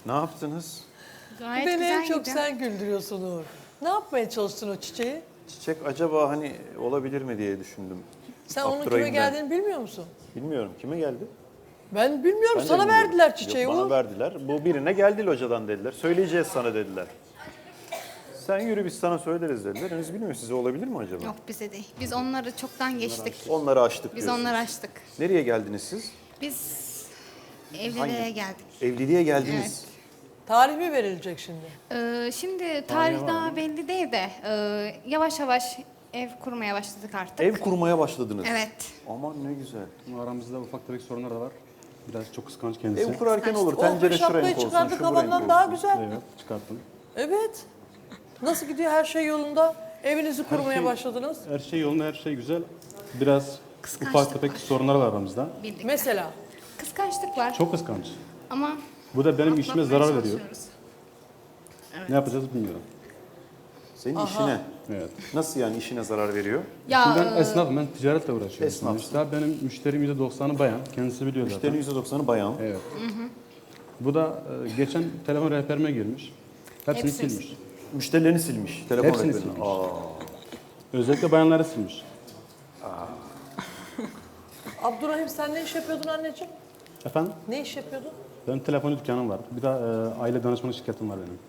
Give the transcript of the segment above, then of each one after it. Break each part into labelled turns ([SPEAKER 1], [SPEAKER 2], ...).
[SPEAKER 1] Ne yaptınız?
[SPEAKER 2] Gayet
[SPEAKER 3] Beni
[SPEAKER 2] güzel
[SPEAKER 3] en çok
[SPEAKER 2] gidiyor.
[SPEAKER 3] sen güldürüyorsun Uğur. Ne yapmaya çalıştın o çiçeği?
[SPEAKER 1] Çiçek acaba hani olabilir mi diye düşündüm.
[SPEAKER 3] Sen onun kime
[SPEAKER 1] Abdurrahim'den.
[SPEAKER 3] geldiğini bilmiyor musun?
[SPEAKER 1] Bilmiyorum. Kime geldi?
[SPEAKER 3] Ben bilmiyorum.
[SPEAKER 1] Ben de
[SPEAKER 3] Sana
[SPEAKER 1] bilmiyorum.
[SPEAKER 3] verdiler çiçeği
[SPEAKER 1] Yok, bana
[SPEAKER 3] Uğur.
[SPEAKER 1] verdiler. Bu birine geldi hocadan dediler. Söyleyeceğiz sana dediler. Sen yürü biz sana söyleriz dediler. Henüz bilmiyorum size olabilir mi acaba?
[SPEAKER 2] Yok bize değil. Biz onları çoktan geçtik.
[SPEAKER 1] Onları açtık
[SPEAKER 2] Biz
[SPEAKER 1] diyorsunuz.
[SPEAKER 2] onları açtık.
[SPEAKER 1] Nereye geldiniz siz?
[SPEAKER 2] Biz evliliğe geldik.
[SPEAKER 1] Evliliğe geldiniz.
[SPEAKER 3] Tarih mi verilecek şimdi?
[SPEAKER 2] Şimdi tarih daha belli değil de yavaş yavaş ev kurmaya başladık artık.
[SPEAKER 1] Ev kurmaya başladınız.
[SPEAKER 2] Evet.
[SPEAKER 1] Aman ne güzel.
[SPEAKER 4] Ama aramızda ufak tefek sorunlar da var. Biraz çok kıskanç kendisi.
[SPEAKER 1] Ev kurarken olur.
[SPEAKER 3] O
[SPEAKER 1] Tencere şu
[SPEAKER 3] şapkayı
[SPEAKER 1] renk olsun,
[SPEAKER 3] çıkardık
[SPEAKER 1] şu bu renk
[SPEAKER 3] havandan
[SPEAKER 1] olsun.
[SPEAKER 3] daha güzel.
[SPEAKER 4] Evet, çıkarttım.
[SPEAKER 3] Evet. Nasıl gidiyor her şey yolunda? Evinizi kurmaya başladınız.
[SPEAKER 4] Her şey yolunda, her şey güzel. Biraz
[SPEAKER 2] Kıskançlık
[SPEAKER 4] ufak tefek
[SPEAKER 2] var.
[SPEAKER 4] sorunlar var aramızda.
[SPEAKER 2] Bildik.
[SPEAKER 3] Mesela.
[SPEAKER 2] Kıskançlık var.
[SPEAKER 4] Çok kıskanç.
[SPEAKER 2] Ama
[SPEAKER 4] Bu da benim işime
[SPEAKER 2] atlatmaya
[SPEAKER 4] zarar veriyor.
[SPEAKER 2] çalışıyoruz.
[SPEAKER 4] Ne yapacağız bilmiyorum.
[SPEAKER 1] Senin işine.
[SPEAKER 4] Evet.
[SPEAKER 1] Nasıl yani işine zarar veriyor?
[SPEAKER 2] Ya
[SPEAKER 4] Şimdi ben esnafım, ben ticaretle uğraşıyorum.
[SPEAKER 1] Esnafsın.
[SPEAKER 4] Sonuçta benim müşterim %90'ı bayan. Kendisi biliyor zaten.
[SPEAKER 1] Müşterinin %90'ı bayan.
[SPEAKER 4] Evet. Bu da geçen telefon rehberime girmiş. Hepsini
[SPEAKER 2] Hepsini
[SPEAKER 4] silmiş.
[SPEAKER 1] Müşterilerini silmiş. Telefon
[SPEAKER 4] Hepsini
[SPEAKER 1] rehberini.
[SPEAKER 4] silmiş.
[SPEAKER 1] Aa.
[SPEAKER 4] Özellikle bayanları silmiş.
[SPEAKER 3] Abdurrahim sen ne iş yapıyordun anneciğim?
[SPEAKER 4] Efendim?
[SPEAKER 3] Ne iş yapıyordun?
[SPEAKER 4] Benim telefon dükkanım var. Bir de aile danışmanı şirketim var benim.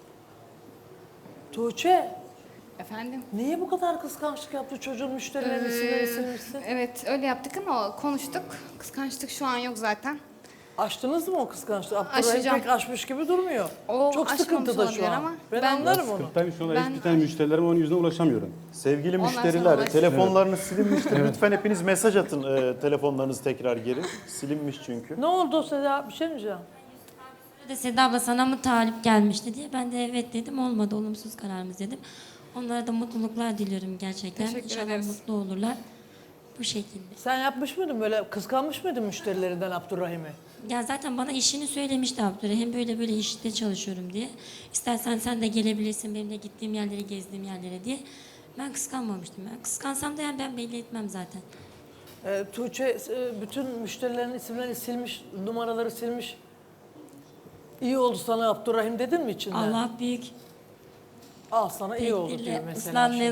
[SPEAKER 3] Tuğçe,
[SPEAKER 2] efendim.
[SPEAKER 3] niye bu kadar kıskançlık yaptı çocuğun müşterilerini silmişsin?
[SPEAKER 2] Evet öyle yaptık ama konuştuk. Kıskançlık şu an yok zaten.
[SPEAKER 3] Aştınız mı o kıskançlığı? Abdurrahim
[SPEAKER 2] Aşacağım.
[SPEAKER 3] pek aşmış gibi durmuyor.
[SPEAKER 2] O
[SPEAKER 3] Çok
[SPEAKER 2] aşmamış
[SPEAKER 3] sıkıntıda
[SPEAKER 2] olabilir
[SPEAKER 3] şu an.
[SPEAKER 2] ama
[SPEAKER 3] Ben
[SPEAKER 2] ben-
[SPEAKER 3] anlarım onu.
[SPEAKER 4] Sıkıntıyım şu anda
[SPEAKER 2] Ben-
[SPEAKER 4] hiçbir tane müşterilerime onun yüzüne ulaşamıyorum.
[SPEAKER 1] Sevgili
[SPEAKER 2] Onlar
[SPEAKER 1] müşteriler,
[SPEAKER 2] sana
[SPEAKER 1] telefonlarınız silinmiştir. Lütfen hepiniz mesaj atın telefonlarınızı tekrar geri. Silinmiş çünkü.
[SPEAKER 3] Ne oldu Seda? Bir şey mi diyeceğim?
[SPEAKER 5] De Seda abla sana mı talip gelmişti diye. Ben de evet dedim. Olmadı, olumsuz kararımız dedim. Onlara da mutluluklar diliyorum gerçekten.
[SPEAKER 2] Teşekkür
[SPEAKER 5] İnşallah
[SPEAKER 2] ederiz.
[SPEAKER 5] mutlu olurlar. Bu şekilde.
[SPEAKER 3] Sen yapmış mıydın böyle kıskanmış mıydın müşterilerinden Abdurrahim'i?
[SPEAKER 5] Ya zaten bana işini söylemişti Abdurrahim. Böyle böyle işte çalışıyorum diye. İstersen sen de gelebilirsin benimle gittiğim yerlere, gezdiğim yerlere diye. Ben kıskanmamıştım. Ben kıskansam da yani ben belli etmem zaten.
[SPEAKER 3] Tuğçe bütün müşterilerin isimlerini silmiş, numaraları silmiş. İyi oldu sana Abdurrahim dedin mi içinden?
[SPEAKER 5] Allah büyük.
[SPEAKER 3] Al sana iyi oldu diyor
[SPEAKER 5] Tekdirle
[SPEAKER 3] mesela.
[SPEAKER 5] ıslanmayan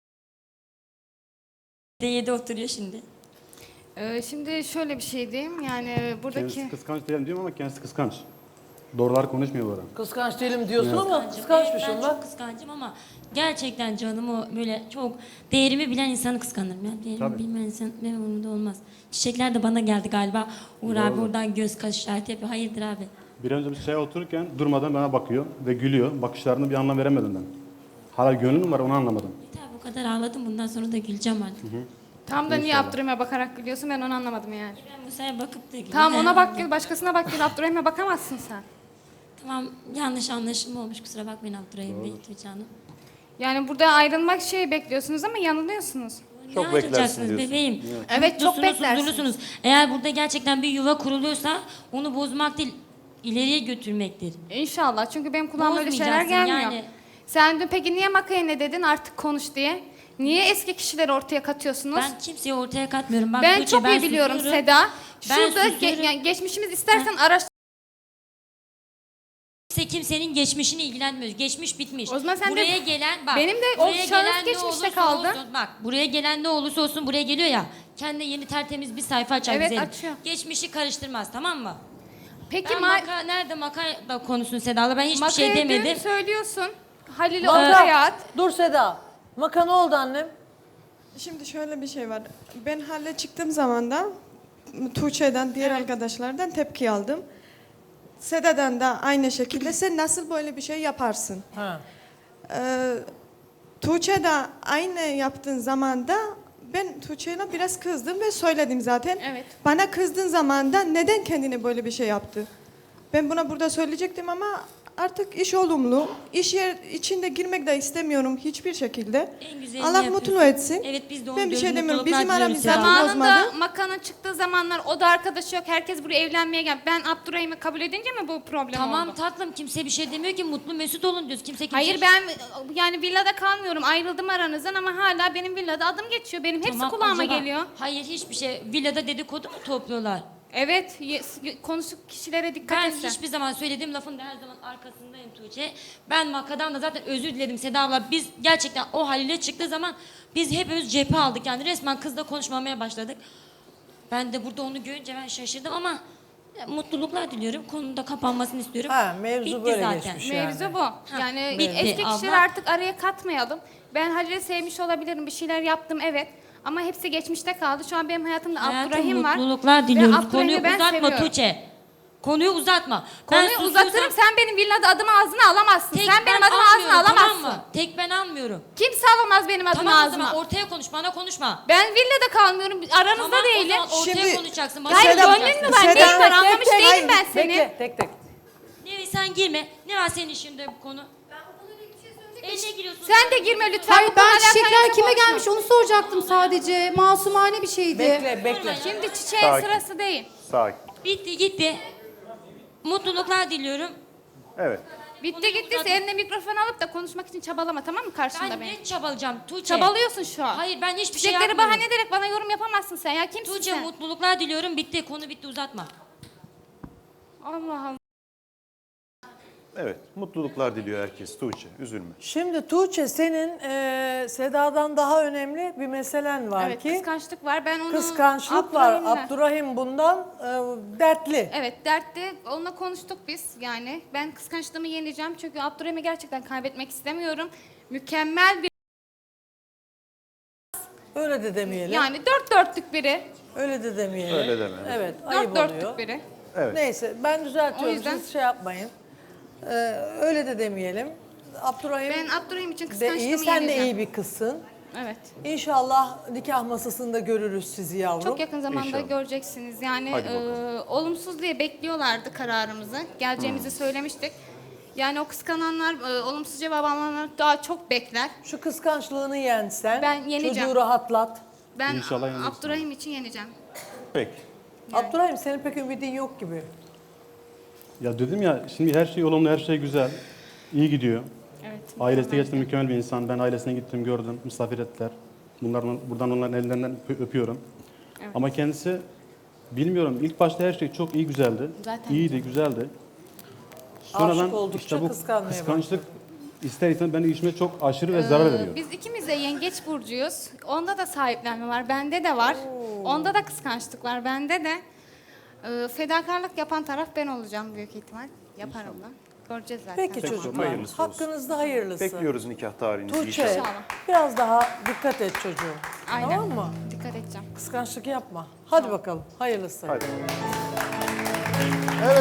[SPEAKER 5] D7 oturuyor şimdi.
[SPEAKER 2] Şimdi şöyle bir şey diyeyim. Yani buradaki...
[SPEAKER 4] Kendisi kıskanç değilim diyorum ama kendisi kıskanç. Doğrular konuşmuyor bu ara.
[SPEAKER 3] Kıskanç değilim diyorsun
[SPEAKER 4] Evet.
[SPEAKER 3] ama
[SPEAKER 5] Evet,
[SPEAKER 3] kıskançmışım
[SPEAKER 5] ben
[SPEAKER 3] bak.
[SPEAKER 5] çok kıskancım ama gerçekten canımı böyle çok değerimi bilen insanı kıskanırım. Yani değerimi
[SPEAKER 4] Tabii.
[SPEAKER 5] bilmeyen insan benim umurumda olmaz. Çiçekler de bana geldi galiba. Uğur abi oradan göz kaş işareti yapıyor. Hayırdır abi?
[SPEAKER 4] Bir önce bir çaya otururken durmadan bana bakıyor ve gülüyor. Bakışlarını bir anlam veremedim ben. Hala gönlüm var onu anlamadım.
[SPEAKER 5] Yeter bu kadar ağladım bundan sonra da güleceğim artık.
[SPEAKER 2] Tam da niye
[SPEAKER 4] İnşallah.
[SPEAKER 2] Abdurrahim'e bakarak gülüyorsun ben onu anlamadım yani.
[SPEAKER 5] Ben bu sefer bakıp da gülüyorum.
[SPEAKER 2] Tamam ona bak gül, başkasına bak gül. Abdurrahim'e bakamazsın sen.
[SPEAKER 5] Tamam yanlış anlaşılma olmuş kusura bakmayın Abdurrahim Bey, Tuğçe Hanım.
[SPEAKER 2] Yani burada ayrılmak şey bekliyorsunuz ama yanılıyorsunuz.
[SPEAKER 1] Çok
[SPEAKER 5] Ne
[SPEAKER 1] beklersin
[SPEAKER 5] yapacaksınız
[SPEAKER 1] diyorsun.
[SPEAKER 5] bebeğim?
[SPEAKER 2] Evet, çok
[SPEAKER 5] Mutlusunuz,
[SPEAKER 2] beklersiniz.
[SPEAKER 5] huzurlusunuz. Eğer burada gerçekten bir yuva kuruluyorsa onu bozmak değil ileriye götürmektir.
[SPEAKER 2] İnşallah çünkü benim kulağıma öyle şeyler
[SPEAKER 5] Bozmayacaksın
[SPEAKER 2] gelmiyor.
[SPEAKER 5] yani.
[SPEAKER 2] Sen dün peki niye Maka'ya ne dedin artık konuş diye? Niye eski kişileri ortaya katıyorsunuz?
[SPEAKER 5] Ben kimseyi ortaya katmıyorum. Bak,
[SPEAKER 2] Ben
[SPEAKER 5] Tuğçe,
[SPEAKER 2] çok iyi biliyorum
[SPEAKER 5] susuyorum.
[SPEAKER 2] Seda.
[SPEAKER 5] Ben
[SPEAKER 2] Şurada
[SPEAKER 5] susuyorum.
[SPEAKER 2] yani geçmişimiz istersen araştır.
[SPEAKER 5] Kimsenin geçmişini ilgilenmiyor. Geçmiş bitmiş.
[SPEAKER 2] O zaman sen de-
[SPEAKER 5] buraya gelen bak.
[SPEAKER 2] Benim de o
[SPEAKER 5] buraya
[SPEAKER 2] şahıs
[SPEAKER 5] gelen ne
[SPEAKER 2] geçmişte
[SPEAKER 5] olursa
[SPEAKER 2] kaldı.
[SPEAKER 5] olsun, bak buraya gelen ne olursa olsun buraya geliyor ya. Kendine yeni tertemiz bir sayfa açar
[SPEAKER 2] Evet,
[SPEAKER 5] güzelim.
[SPEAKER 2] açıyor.
[SPEAKER 5] Geçmişi karıştırmaz tamam mı?
[SPEAKER 2] Peki
[SPEAKER 5] Ben nerede da konuşsun Seda'la ben hiçbir
[SPEAKER 2] Maka'ya
[SPEAKER 5] şey
[SPEAKER 2] dün
[SPEAKER 5] demedim.
[SPEAKER 2] söylüyorsun. Halil'i
[SPEAKER 3] Maka,
[SPEAKER 2] ortaya at.
[SPEAKER 3] dur Seda. Maka ne oldu annem?
[SPEAKER 6] Şimdi şöyle bir şey var. Ben halle çıktığım zaman da Tuğçe'den, diğer arkadaşlardan tepki aldım. Seda'dan da aynı şekilde sen nasıl böyle bir şey yaparsın?
[SPEAKER 3] Ha.
[SPEAKER 6] Tuğçe de aynı yaptığın zaman da ben Tuğçe'yle biraz kızdım ve söyledim zaten.
[SPEAKER 2] Evet.
[SPEAKER 6] Bana kızdığın zaman da neden kendine böyle bir şey yaptı? Ben buna burada söyleyecektim ama artık iş olumlu. İş yer içinde girmek de istemiyorum hiçbir şekilde.
[SPEAKER 5] En güzelini
[SPEAKER 6] Allah
[SPEAKER 5] yapıyorsun.
[SPEAKER 6] mutlu etsin.
[SPEAKER 5] Evet biz de onu
[SPEAKER 6] Ben bir
[SPEAKER 5] diyoruz,
[SPEAKER 6] şey demiyorum.
[SPEAKER 5] mutluluklar
[SPEAKER 6] Bizim
[SPEAKER 5] diliyoruz
[SPEAKER 6] aramız
[SPEAKER 5] Seda.
[SPEAKER 6] zaten
[SPEAKER 2] Zamanında
[SPEAKER 6] bozmadı.
[SPEAKER 2] Maka'nın çıktığı zamanlar o da arkadaşı yok. Herkes buraya evlenmeye gel. Ben Abdurrahim'i kabul edince mi bu problem
[SPEAKER 5] Tamam
[SPEAKER 2] oldu?
[SPEAKER 5] tatlım kimse bir şey demiyor ki mutlu mesut olun diyoruz. Kimse
[SPEAKER 2] Hayır ben yani villada kalmıyorum. Ayrıldım aranızdan ama hala benim villada adım geçiyor. Benim hepsi
[SPEAKER 5] Tamam,
[SPEAKER 2] kulağıma
[SPEAKER 5] acaba-
[SPEAKER 2] geliyor.
[SPEAKER 5] Hayır hiçbir şey. Villada dedikodu mu topluyorlar?
[SPEAKER 2] Evet, konuşuk kişilere dikkat
[SPEAKER 5] Ben
[SPEAKER 2] etsin.
[SPEAKER 5] hiçbir zaman söylediğim lafın da her zaman arkasındayım Tuğçe. Ben Maka'dan da zaten özür diledim Seda abla. Biz gerçekten o haliyle çıktığı zaman biz hepimiz cephe aldık. Yani resmen kızla konuşmamaya başladık. Ben de burada onu görünce ben şaşırdım ama mutluluklar diliyorum. Konunun da kapanmasını istiyorum.
[SPEAKER 3] Ha, mevzu
[SPEAKER 5] Bitti
[SPEAKER 3] böyle
[SPEAKER 5] zaten.
[SPEAKER 3] geçmiş.
[SPEAKER 2] Mevzu
[SPEAKER 3] Yani.
[SPEAKER 2] bu. Yani
[SPEAKER 5] bitti
[SPEAKER 2] eski
[SPEAKER 5] abla.
[SPEAKER 2] kişileri artık araya katmayalım. Ben Halil'i sevmiş olabilirim, bir şeyler yaptım evet. Ama hepsi geçmişte kaldı. Şu an benim hayatımda
[SPEAKER 5] Hayatım,
[SPEAKER 2] Abdurrahim var.
[SPEAKER 5] mutluluklar
[SPEAKER 2] Ve
[SPEAKER 5] diliyoruz.
[SPEAKER 2] Abdurrahim'i
[SPEAKER 5] Konuyu
[SPEAKER 2] ben
[SPEAKER 5] uzatma
[SPEAKER 2] seviyorum.
[SPEAKER 5] Tuğçe. Konuyu uzatma.
[SPEAKER 2] Konuyu
[SPEAKER 5] Ben
[SPEAKER 2] uzatırım,
[SPEAKER 5] susuyorsam
[SPEAKER 2] sen benim villada adımı ağzına alamazsın.
[SPEAKER 5] tek
[SPEAKER 2] Sen benim
[SPEAKER 5] ben
[SPEAKER 2] adımı ağzına
[SPEAKER 5] almıyorum,
[SPEAKER 2] alamazsın.
[SPEAKER 5] tamam mı? Tek ben almıyorum.
[SPEAKER 2] Kimse alamaz benim adımı
[SPEAKER 5] Tamam o
[SPEAKER 2] ağzıma.
[SPEAKER 5] zaman ortaya konuş, bana konuşma.
[SPEAKER 2] Ben villada kalmıyorum, aranızda
[SPEAKER 5] Tamam,
[SPEAKER 2] değilim.
[SPEAKER 5] o zaman ortaya
[SPEAKER 3] Şimdi-
[SPEAKER 5] konuşacaksın. Bana
[SPEAKER 2] Hayır,
[SPEAKER 5] konuşacaksın.
[SPEAKER 2] gönlün mü var? Neyin var? Anlamış değilim ben seni.
[SPEAKER 3] Bekle, tek tek.
[SPEAKER 5] Ne sen girme. Ne var senin işinde bu konu? Eline giriyorsun.
[SPEAKER 2] Sen de girme lütfen.
[SPEAKER 7] Hayır
[SPEAKER 2] Bu konuyla
[SPEAKER 7] ben
[SPEAKER 2] alakalı
[SPEAKER 7] çiçekler
[SPEAKER 2] yapma
[SPEAKER 7] kime
[SPEAKER 2] konuşma.
[SPEAKER 7] gelmiş onu soracaktım sadece. Masumane bir şeydi.
[SPEAKER 3] Bekle.
[SPEAKER 2] Şimdi çiçeğin
[SPEAKER 1] Sakin.
[SPEAKER 2] sırası değil.
[SPEAKER 1] Sakin.
[SPEAKER 5] Bitti gitti. Mutluluklar diliyorum.
[SPEAKER 1] Evet.
[SPEAKER 2] Bitti gitti. Eline mikrofon alıp da konuşmak için çabalama, tamam mı karşımda
[SPEAKER 5] Ben
[SPEAKER 2] benim?
[SPEAKER 5] ne çabalayacağım Tuğçe?
[SPEAKER 2] Çabalıyorsun şu an.
[SPEAKER 5] Hayır ben hiçbir şey
[SPEAKER 2] Çiçekleri
[SPEAKER 5] yapmıyorum.
[SPEAKER 2] bahane ederek bana yorum yapamazsın sen ya. Kimsin
[SPEAKER 5] Tuğçe
[SPEAKER 2] sen?
[SPEAKER 5] mutluluklar diliyorum. Bitti. Konu bitti, uzatma.
[SPEAKER 2] Allah Allah.
[SPEAKER 1] Evet. Mutluluklar diliyor herkes. Tuğçe, üzülme.
[SPEAKER 3] Şimdi Tuğçe senin Seda'dan daha önemli bir meselen var
[SPEAKER 2] Evet,
[SPEAKER 3] ki
[SPEAKER 2] kıskançlık var. Ben onu
[SPEAKER 3] kıskançlık var.
[SPEAKER 2] Abdurrahim'le-
[SPEAKER 3] Abdurrahim bundan dertli.
[SPEAKER 2] Evet, dertte onunla konuştuk biz yani. Ben kıskançlığımı yeneceğim çünkü Abdurrahim'i gerçekten kaybetmek istemiyorum. Mükemmel bir,
[SPEAKER 3] Öyle de demeyelim.
[SPEAKER 2] yani dört dörtlük biri.
[SPEAKER 3] Öyle de demeyelim.
[SPEAKER 1] Öyle deme.
[SPEAKER 3] Evet,
[SPEAKER 2] Dört
[SPEAKER 3] ayıp
[SPEAKER 2] dörtlük
[SPEAKER 3] oluyor.
[SPEAKER 2] biri.
[SPEAKER 1] Evet.
[SPEAKER 3] Neyse ben düzeltiyorum,
[SPEAKER 2] O yüzden-
[SPEAKER 3] siz şey yapmayın. Öyle de demeyelim. Abdurrahim
[SPEAKER 2] Ben Abdurrahim için
[SPEAKER 3] de
[SPEAKER 2] kıskançlığımı
[SPEAKER 3] iyi, sen de
[SPEAKER 2] yeneceğim.
[SPEAKER 3] iyi bir kızsın.
[SPEAKER 2] Evet.
[SPEAKER 3] İnşallah nikah masasında görürüz sizi yavrum.
[SPEAKER 2] Çok yakın zamanda
[SPEAKER 1] İnşallah.
[SPEAKER 2] göreceksiniz. Yani
[SPEAKER 1] Hadi bakalım.
[SPEAKER 2] olumsuz diye bekliyorlardı kararımızı. Geleceğimizi söylemiştik. Yani o kıskananlar, olumsuz cevap alanlar daha çok bekler.
[SPEAKER 3] Şu kıskançlığını yensen,
[SPEAKER 2] Ben yeneceğim.
[SPEAKER 3] çocuğu rahatlat.
[SPEAKER 2] Ben
[SPEAKER 4] İnşallah yenilirsin.
[SPEAKER 2] Abdurrahim için yeneceğim.
[SPEAKER 1] Peki.
[SPEAKER 3] Abdurrahim senin pek ümidin yok gibi.
[SPEAKER 4] Ya dedim ya şimdi her şey olumlu, her şey güzel. İyi gidiyor.
[SPEAKER 2] Evet.
[SPEAKER 4] Ailesi de gerçekten mükemmel bir insan. Ben ailesine gittim, gördüm, misafir ettiler. Buradan onların ellerinden öpüyorum. Ama kendisi bilmiyorum. İlk başta her şey çok iyi güzeldi.
[SPEAKER 2] Zaten
[SPEAKER 4] İyiydi, güzeldi.
[SPEAKER 3] Aşık oldukça
[SPEAKER 4] bu
[SPEAKER 3] kıskanmaya
[SPEAKER 4] kıskançlık ister istemez beni işime çok aşırı ve zarar veriyor.
[SPEAKER 2] Biz ikimiz de yengeç burcuyuz. Onda da sahiplenme var, bende de var. Onda da kıskançlık var, bende de. Fedakarlık yapan taraf ben olacağım büyük ihtimal. Yaparım da. Göreceğiz zaten.
[SPEAKER 3] Peki çocuklar,
[SPEAKER 1] hayırlısı olsun.
[SPEAKER 3] hakkınızda hayırlısı.
[SPEAKER 1] Bekliyoruz nikah tarihinizi
[SPEAKER 3] Tuğçe,
[SPEAKER 1] inşallah.
[SPEAKER 2] İnşallah.
[SPEAKER 3] biraz daha dikkat et çocuğum.
[SPEAKER 2] Aynen.
[SPEAKER 3] Tamam mı?
[SPEAKER 2] Dikkat edeceğim.
[SPEAKER 3] Kıskançlık yapma. Hadi bakalım, hayırlısı.
[SPEAKER 1] Hadi.